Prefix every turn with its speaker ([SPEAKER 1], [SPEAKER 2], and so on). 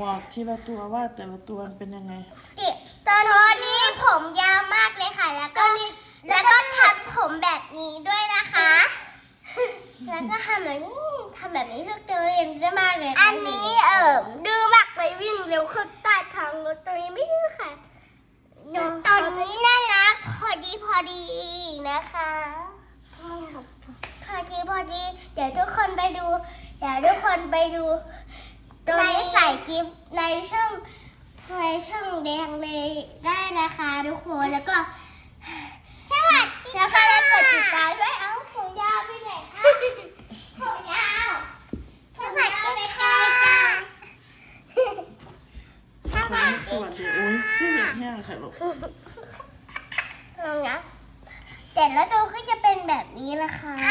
[SPEAKER 1] บอกทีละตัวว่าแต่ละตัวเป็นยังไง
[SPEAKER 2] ตอนนี้ผมยาวมากเลยค่ะแล้วก็ทำผมแบบนี้ด้วยนะคะแล้วก็ทำแบบนี้ทุกตัวเรียนได้มากเลยอันนี้ดื้อมากเลยวิ่งเร็วขึ้นใต้ทางรถตัวนี้ไม่ดื้อค่ะตอนนี้น่ารักพอดีนะคะพอดีเดี๋ยวทุกคนไปดูในใส่กิ๊บในช่องแดงเลยได้นะคะทุกคนแล้วก็สวัสดีแล้วก็กดติดตามด้วยผมยาวพี่ไหนคะผมยาวสวัสดีค่ะสวัส
[SPEAKER 1] ส
[SPEAKER 2] ดี
[SPEAKER 1] วัสดีอุ้ยพี่เด็กแห้งค่ะลูก
[SPEAKER 2] ลองนะแต่แล้วตัวก็จะเป็นแบบนี้นะคะ